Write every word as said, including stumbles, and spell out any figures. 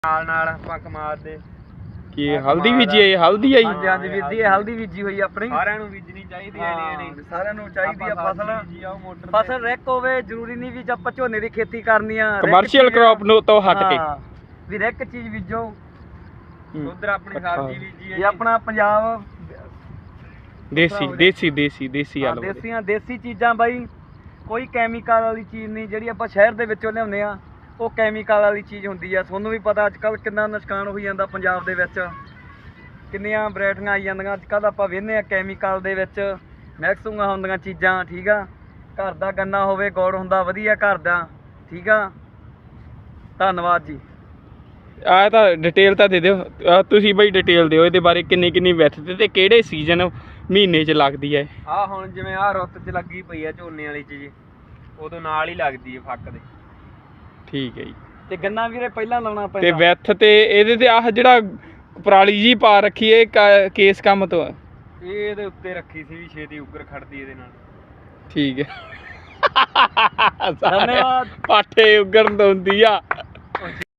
ਨਾਲ ਨਾਲ ਆਪਾਂ ਕਮਾਦ ਦੇ ਕੀ ਹਲਦੀ ਬੀਜੀ ਹੈ? ਹਲਦੀ ਆਈ? ਹਾਂਜੀ ਹਾਂਜੀ ਵੀਰ ਜੀ, ਇਹ ਹਲਦੀ ਬੀਜੀ ਹੋਈ ਆਪਣੀ। ਸਾਰਿਆਂ ਨੂੰ ਬੀਜਣੀ ਚਾਹੀਦੀ ਹੈ ਨਹੀਂ ਨਹੀਂ ਸਾਰਿਆਂ ਨੂੰ ਚਾਹੀਦੀ ਆ ਫਸਲ। ਫਸਲ ਰਿਕ ਹੋਵੇ, ਜ਼ਰੂਰੀ ਨਹੀਂ ਵੀ ਆਪਾਂ ਝੋਨੇ ਦੀ ਖੇਤੀ ਕਰਨੀ ਆ, ਕਮਰਸ਼ੀਅਲ ਕ੍ਰੌਪ ਨੂੰ ਤੋਂ ਹਟ ਕੇ ਵੀ ਰਿਕ ਚੀਜ਼ ਬੀਜੋ। ਉਧਰ ਆਪਣੀ ਸਬਜ਼ੀ ਬੀਜੀ ਹੈ ਇਹ ਆਪਣਾ ਪੰਜਾਬ ਦੇਸੀ ਦੇਸੀ ਦੇਸੀ ਦੇਸੀ ਆਲੂ ਦੇਸੀਆਂ ਦੇਸੀ ਚੀਜ਼ਾਂ ਬਾਈ, ਕੋਈ ਕੈਮੀਕਲ ਵਾਲੀ ਚੀਜ਼ ਨਹੀਂ। ਜਿਹੜੀ ਆਪਾਂ ਸ਼ਹਿਰ ਦੇ ਵਿੱਚੋਂ ਲਿਆਉਂਦੇ ਆ ਉਹ ਕੈਮੀਕਲ ਵਾਲੀ ਚੀਜ਼ ਹੁੰਦੀ ਆ। ਤੁਹਾਨੂੰ ਵੀ ਪਤਾ ਅੱਜ ਕੱਲ੍ਹ ਕਿੰਨਾ ਨੁਕਸਾਨ ਹੋਈ ਜਾਂਦਾ ਪੰਜਾਬ ਦੇ ਵਿੱਚ, ਕਿੰਨੀਆਂ ਵੈਰਾਈਟੀਆਂ ਆਈ ਜਾਂਦੀਆਂ ਅੱਜ ਕੱਲ੍ਹ। ਆਪਾਂ ਵੇਖਦੇ ਆ ਕੈਮੀਕਲ ਦੇ ਵਿੱਚ ਮਿਕਸਿੰਗਾਂ ਹੁੰਦੀਆਂ ਚੀਜ਼ਾਂ। ਠੀਕ ਆ, ਘਰ ਦਾ ਗੰਨਾ ਹੋਵੇ, ਗੁੜ ਹੁੰਦਾ ਵਧੀਆ ਘਰ ਦਾ। ਠੀਕ ਆ, ਧੰਨਵਾਦ ਜੀ। ਆ ਤਾਂ ਡਿਟੇਲ ਤਾਂ ਦੇ ਦਿਓ ਤੁਸੀਂ ਬਈ, ਡਿਟੇਲ ਦਿਓ ਇਹਦੇ ਬਾਰੇ, ਕਿੰਨੀ ਕਿੰਨੀ ਵਿੱਥ ਤੇ ਕਿਹੜੇ ਸੀਜ਼ਨ ਮਹੀਨੇ 'ਚ ਲੱਗਦੀ ਹੈ? ਆ ਹੁਣ ਜਿਵੇਂ ਆ ਰੁੱਤ 'ਚ ਲੱਗੀ ਪਈ ਆ ਝੋਨੇ ਵਾਲੀ ਚੀਜ਼, ਉਦੋਂ ਨਾਲ ਹੀ ਲੱਗਦੀ ਹੈ ਫੱਕ ਦੇ। ਠੀਕ ਹੈ ਜੀ। ਤੇ ਗੰਨਾ ਵੀਰੇ ਪਹਿਲਾਂ ਲਾਉਣਾ ਪੈਂਦਾ ਤੇ ਵਿੱਥ ਤੇ ਇਹਦੇ ਤੇ ਆਹ ਜਿਹੜਾ ਪਰਾਲੀ ਜੀ ਪਾ ਰੱਖੀ ਹੈ ਕੇਸ ਕੰਮ ਤੋਂ? ਇਹ ਇਹਦੇ ਉੱਤੇ ਰੱਖੀ ਸੀ ਵੀ ਛੇਤੀ ਉੱਗਰ ਖੜਦੀ ਇਹਦੇ ਨਾਲ। ਠੀਕ ਹੈ, ਧੰਨਵਾਦ। ਪਾਠੇ ਉੱਗਣ ਤੋਂ ਹੁੰਦੀ ਆ।